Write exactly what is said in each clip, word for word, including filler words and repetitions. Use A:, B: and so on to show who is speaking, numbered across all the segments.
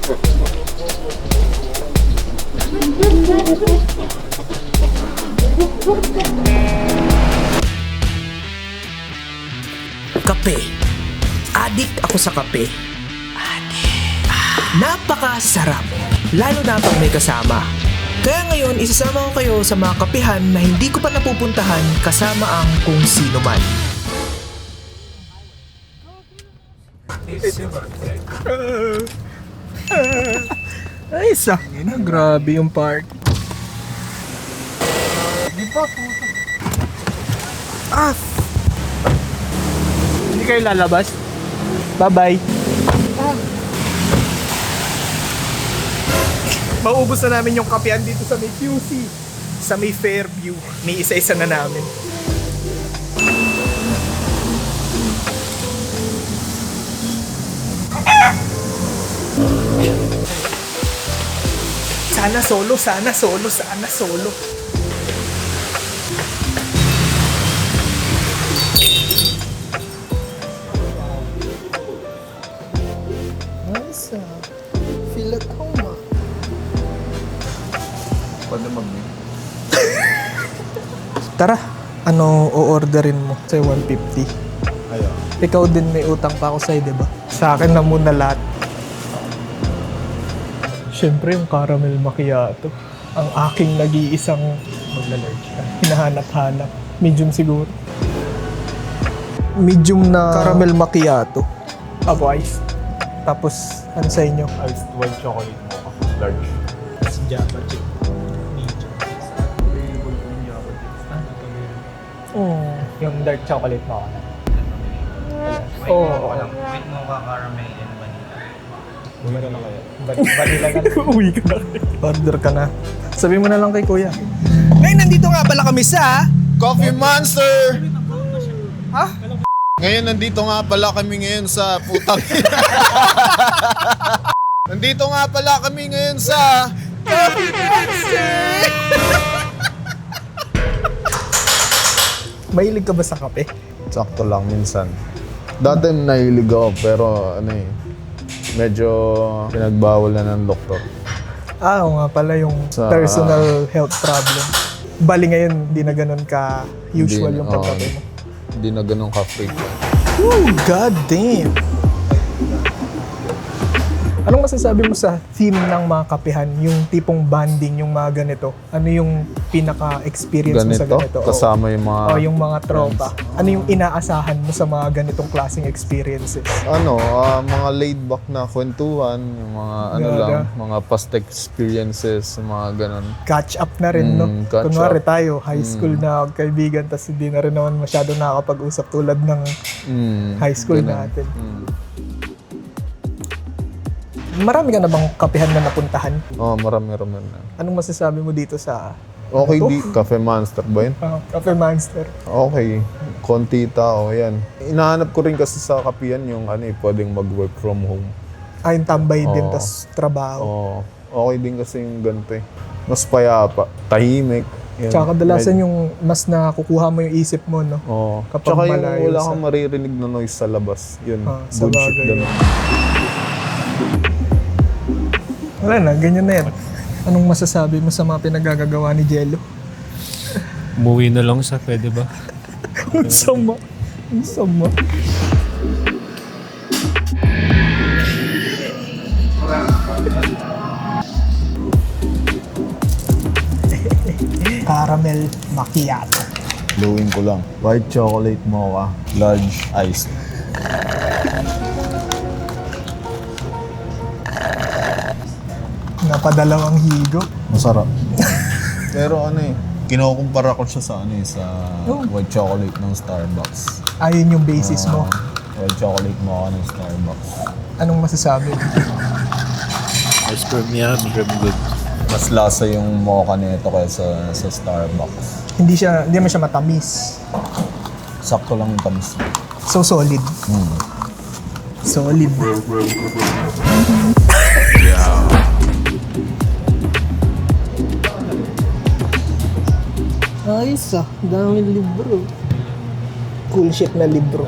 A: Kape. Adik ako sa kape. Adik. Ah, napakasarap. Lalo na pag may kasama. Kaya ngayon, isasama ko kayo sa mga kapihan na hindi ko pa napupuntahan kasama ang kung sino man. Ay, sakin na. Grabe yung park. Di pa, puto. Ah! Hindi kayo lalabas? Bye-bye. Ah. Maubos na namin yung kapehan dito sa may Q C. Sa may Fairview. May isa-isa na namin. Sana solo, sana solo, sana solo. Nice ah. Feel at home ah.
B: Pwede mag-meet.
A: Tara, ano o-orderin mo? Say one fifty.
B: Ayaw.
A: Ikaw din may utang pa ako sa'yo, diba? Sa akin na muna lahat. Siyempre yung caramel macchiato. Ang aking nag-iisang magla-large ka. Hinahanap-hanap. Medium siguro. Medium na caramel macchiato. Ako ice. Tapos, ano sa inyo?
B: Iced white chocolate mo. Large.
A: Tapos Java chip. Medium. Oh, yung dark chocolate mo ako na. Oo. Oh,
C: With mocha caramel and vanilla.
B: Uwi ka na kaya.
A: Vanilla ka na. Uwi ka na. Order ka na. Sabi mo na lang kay kuya. Ngayon, nandito nga pala kami sa...
B: Coffee Monster!
A: Ha?
B: Ngayon, nandito nga pala kami ngayon sa putang... Nandito nga pala kami ngayon sa...
A: Coffee Monster! Mahilig ka ba sa kape?
B: Sakto lang minsan. Dati nahilig ako pero ano eh, medyo pinagbawal na ng doktor.
A: Ah, oo nga pala yung
B: Sa-
A: personal health problem. Bali ngayon, di na ganun ka usual
B: Hindi-
A: yung pagkape
B: oo.
A: mo.
B: Hindi na ganun ka-freak.
A: Ooh, god damn! Anong masasabi mo sa theme ng mga kapehan? Yung tipong banding, yung mga ganito? Ano yung pinaka-experience mo sa
B: Ganito,
A: ganito? Oo.
B: kasama yung mga...
A: O yung mga tropa. Ano yung inaasahan mo sa mga ganitong klaseng experiences?
B: Ano, ah, mga laid-back na kwentuhan, yung mga ano
A: Gaga.
B: lang, mga past experiences, mga ganun.
A: Catch up na rin, no?
B: Mm, catch
A: Kunwari
B: up.
A: tayo, high school na kaibigan, tapos hindi na rin naman masyado nakakapag-usap tulad ng
B: Mm,
A: high school
B: ganun.
A: natin.
B: Mm.
A: Marami ka na bang kapehan na napuntahan?
B: Oo, oh, marami-rami na.
A: Anong masasabi mo dito sa
B: Okay,
A: Ano to?
B: di, Cafe Monster ba yun?
A: uh, Cafe Monster?
B: Okay, konti tao, yan. Inahanap ko rin kasi sa kapihan yung ano eh, pwedeng mag-work from home.
A: Ay, yung tambay din,
B: Oo.
A: tas trabaho.
B: Oo, okay din kasi yung ganito eh. Mas payapa, tahimik. Yan.
A: Tsaka kadalasan
B: Med-
A: yung mas nakukuha mo yung isip mo, no?
B: Oo.
A: kapag
B: Tsaka yung
A: malayo
B: wala
A: sa-
B: kang maririnig na noise sa labas. Yun,
A: Ah, sa
B: good shit
A: bagay
B: ganun.
A: yun. Wala na, ganyan na yan. Anong masasabi mo sa mga pinagagagawa ni Jello?
D: Umuwi na lang siya, pwede ba?
A: Ang sama. Ang sama. Caramel macchiato.
B: Luwin ko lang. White chocolate mocha, large iced.
A: Napadalawang higo.
B: Masarap. Pero ano eh, kinukumpara ko siya sa ano eh, sa
A: Oh.
B: white chocolate ng Starbucks.
A: Ayun yung basis mo.
B: Ah, white chocolate mocha ng Starbucks.
A: Anong masasabi?
D: Ice cream niya, very good.
B: Mas lasa yung mocha nito kaysa sa Starbucks.
A: Hindi siya, hindi man siya matamis.
B: Sakto lang yung tamis.
A: So solid.
B: Hmm.
A: Solid. Ayos ah, daming libro. Cool shit na libro.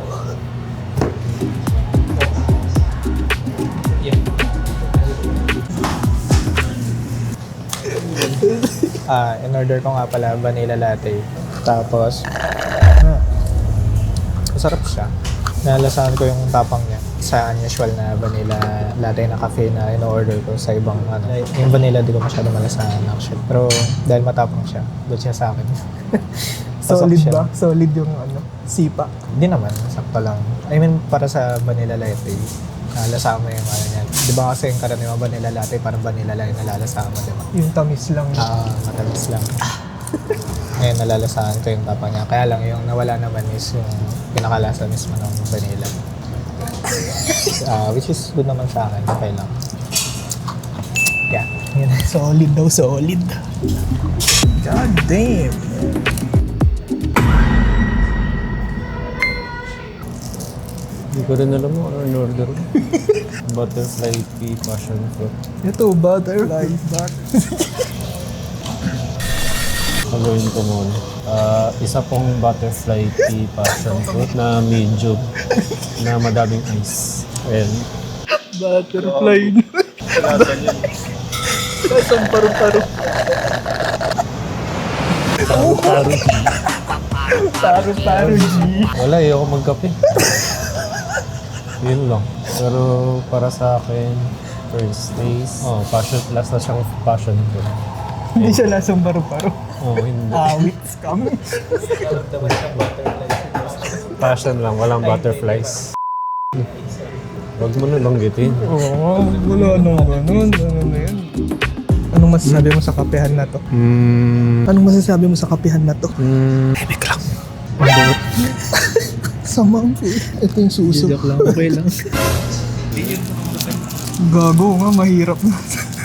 E: Ah, in-order ko nga pala vanilla latte. Tapos, ah, masarap siya. Nalasahan ko yung tapang niya sa unusual na vanilla latte na cafe na in-order ko sa ibang ano. Yung vanilla di ko masyado malasahan actually. Pero dahil matapang siya, doon siya sa akin. Pasok
F: Solid
E: siya.
F: ba? Solid yung ano, sipa.
E: Hindi naman, sakto lang. I mean, para sa vanilla latte, nalasahan mo yung ano niyan. Di ba kasi yung karaniwang vanilla latte, parang vanilla lang yung nalalasahan mo, di ba?
F: Yung tamis lang.
E: Ah, matamis lang. Ngayon, nalalasahan ko yung tapang niya. Kaya lang, yung nawala naman is yung pinakalasa mismo ng vanilla. Ah, which is good naman sa akin. Okay lang. Yeah.
F: Yan, solid daw, solid. God damn.
D: Hindi ko rin alam mo ano in order ko. Butterfly pea passion fruit.
F: Ito, butterfly.
D: Gagawin ko muna. Ah, isa pong butterfly pea passion fruit na medium na madaming ice. Ayan.
F: Butterfly. Lasang paru-paro.
D: Taro-taro.
F: Paru-paro, G.
D: Wala, ayoko magkape. Yun lang. Pero para sa akin, first taste, oh, passion, last na siyang passion fruit.
F: Hindi siya lasang paru-paro.
D: Oh, hindi.
F: Awit scam.
D: Passion lang, walang butterflies. Huwag mo na langgitin.
F: Oo, wala nang ganun. Ano na yan? Anong masasabi mo sa kapehan na to?
D: Hmm.
F: Anong masasabi mo sa kapehan na to?
D: Hmm.
F: Ibig lang. Samang po. Ito yung suso.
E: Joke lang, okay lang.
F: Gago nga, mahirap na.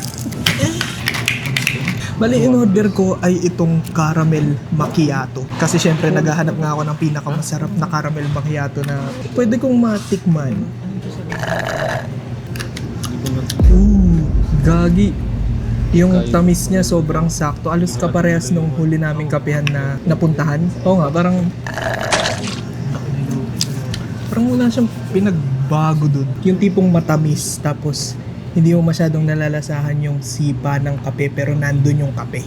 F: Bali, in-order ko ay itong caramel macchiato. Kasi syempre, naghahanap nga ako ng pinakamasarap na caramel macchiato na pwede kong matikman. Ooh, gagi. Yung tamis niya sobrang sakto. Alos kaparehas nung huli naming kapehan na napuntahan. Oo nga, parang... Parang wala siyang pinagbago dun. Yung tipong matamis, tapos hindi mo masyadong nalalasahan yung sipa ng kape, pero nandun yung kape.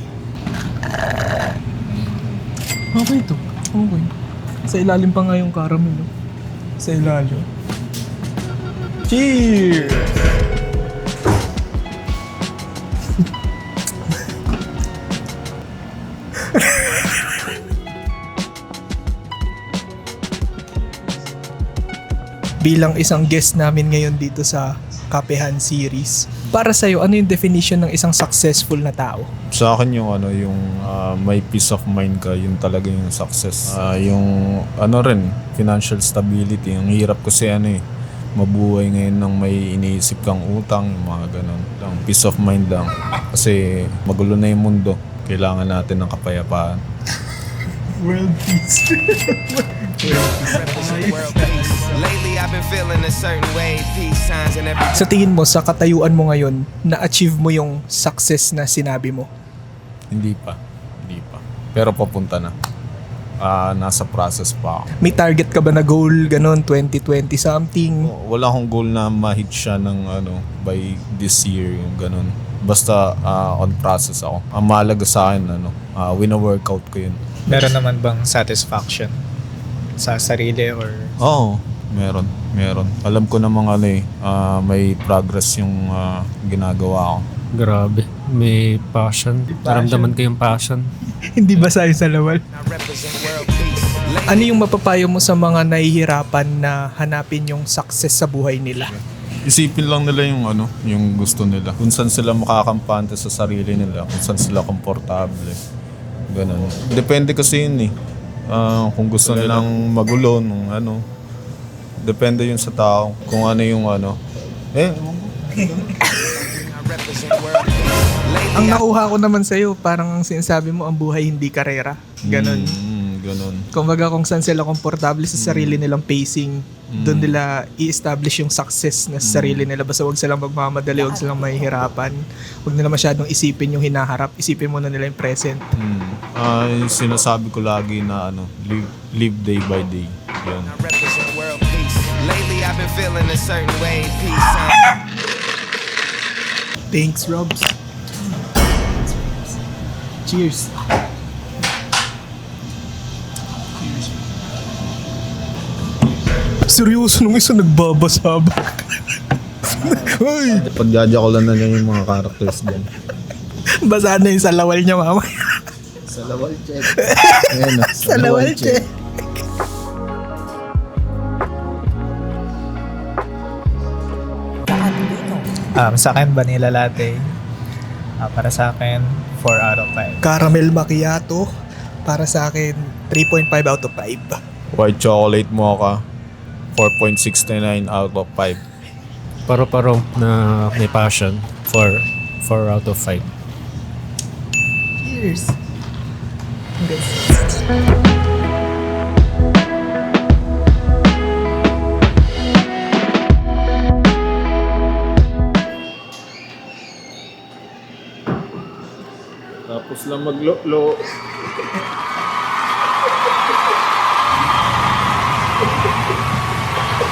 F: Okay to. Okay. Sa ilalim pa nga yung caramel. No? Sa ilalim. Cheers! Bilang isang guest namin ngayon dito sa Kapehan series, para sa'yo, ano yung definition ng isang successful na tao?
B: Sa akin yung ano, yung ah, may peace of mind ka, yun talaga yung success. Ah, yung ano rin, financial stability. Ang hirap kasi ano eh, mabuhay ngayon ng may iniisip kang utang, yung mga ganun. Lang, peace of mind lang. Kasi magulo na yung mundo. Kailangan natin ng kapayapaan.
F: World peace.
G: Lately I've been feeling a certain way, peace signs and every
F: Sa tingin mo, sa katayuan mo ngayon, na-achieve mo yung success na sinabi mo?
B: Hindi pa. Hindi pa. Pero papunta na. Ah, nasa process pa ako.
F: May target ka ba na goal, ganun, twenty twenty something?
B: Wala akong goal na ma-hit siya ng ano, by this year, yung ganun. Basta ah, on process ako. Ang mahalaga sa akin, ano, ah, wina-workout ko yun.
E: Meron naman bang satisfaction sa sarili or...
B: Oo, meron. Meron. Alam ko namang ano eh, ah, may progress yung ah, ginagawa ko.
D: Grabe. May passion. Naramdaman ko yung passion.
F: Hindi ba sa'yo sa lawal?
G: I represent world peace.
F: Ano yung mapapayo mo sa mga nahihirapan na hanapin yung success sa buhay nila?
B: Isipin lang nila yung ano, yung gusto nila. Kung saan sila makakampante sa sarili nila, kung saan sila komportable. Ganun. Depende kasi yun eh. Ah, kung gusto nilang magulo, nung ano. Depende yun sa tao. Kung ano yung ano. Eh,
G: I represent world peace. Lately
F: Ang nakuha ko naman sa'yo, parang ang sinasabi mo, ang buhay hindi karera. Ganon.
B: mm, ganun.
F: Kumbaga kung saan sila komportable sa sarili nilang pacing, doon nila i-establish yung success na sa sarili nila. Basta wag silang magmamadali, wag silang mahihirapan. Wag nila masyadong isipin yung hinaharap. Isipin muna nila yung present.
B: Mm. Ah, yung sinasabi ko lagi na ano, live, live day by day. Yan.
G: I represent world peace. Lately I've been feeling a certain way, peace signs.
F: Thanks, Robs. Cheers. Seryoso nung isa nagbabasabak. Ay,
B: Pagjajakulan na niya yung mga characters dyan.
F: basa na yung sa lawal niya mama.
B: Sa lawal check. Ayan, ah,
F: Sa lawal check.
E: Um, sa akin, vanilla latte. Ah, para sa akin, four out of five.
F: Caramel macchiato. Para sa akin, three point five out of five.
B: White chocolate mocha, four point six nine out of five.
D: Paro-paro na may passion for four out of five.
F: Cheers.
B: Tapos lang maglo-lo.